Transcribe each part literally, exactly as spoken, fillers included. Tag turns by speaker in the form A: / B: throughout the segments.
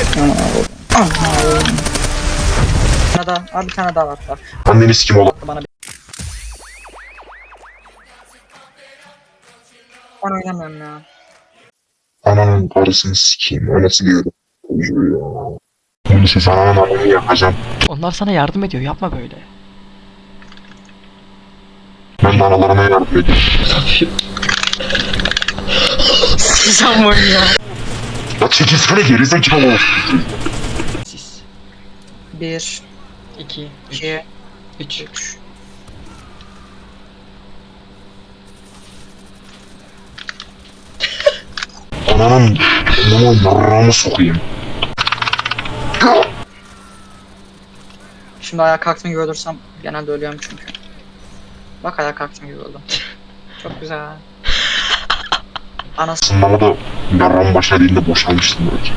A: Bir tane daha, abi bir tane daha var. Bak.
B: Anneni sikim oğlum.
A: Bana bir... Ben oynamıyorum ya.
B: Ananın karısını sikeyim. O nasıl bir yorum? Uyuyor ya. Bunu siz ananın ananı yakacağım.
C: Onlar sana yardım ediyor. Yapma böyle.
B: Ben de analarıma yardım ediyorum.
A: Sıkacağım oyunu ya.
B: Ya çekilsene gerizekalı.
C: Siz.
A: Bir,
C: iki,
A: iki,
C: üç.
A: üç.
B: Ananın anamı yarrağımı sokayım.
A: Şimdi ayağa kalktığım gibi ölürsem genelde ölüyorum çünkü. Bak ayağa kalktığım gibi öldüm. Çok güzel. Anası.
B: Sınavda da yarrağım başa değil de boşalmıştım belki.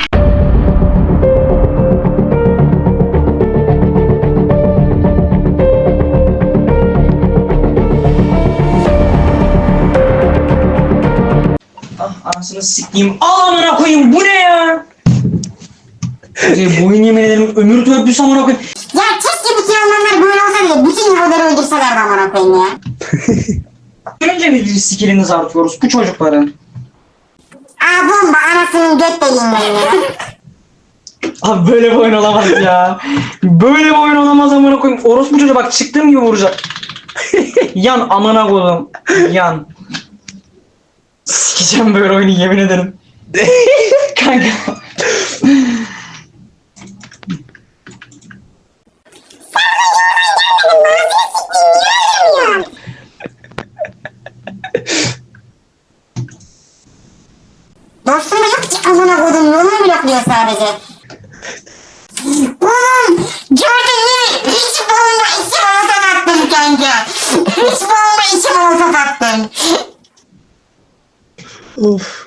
A: Ah anasını sikeyim. Al amına koyayım bu ne ya? Ee, boyun yemin ederim ömür törpüsü amına koyayım.
D: Ya keşke bütün Almanlar böyle olsa diye bütün Yugoları öldürselerdi amına koyayım ya.
A: Önce mi bir skillinizi artıyoruz bu çocukların?
D: Aa bomba anasının göt deliğinden ya.
A: Abi böyle bir oyun olamaz ya. Böyle bir oyun olamaz amına koyayım. Orospu çocuğa bak çıktığım gibi vuracak. Yan amına koyayım. Yan. Sikeceğim böyle oyunu yemin ederim. Kanka.
D: Dostum yok ki amına koydum yolunu blokluyor sadece. Oğlum gördün mü? Hiç bomba iki molotof attım kanka. Hiç bomba iki molotof attım.
A: Of.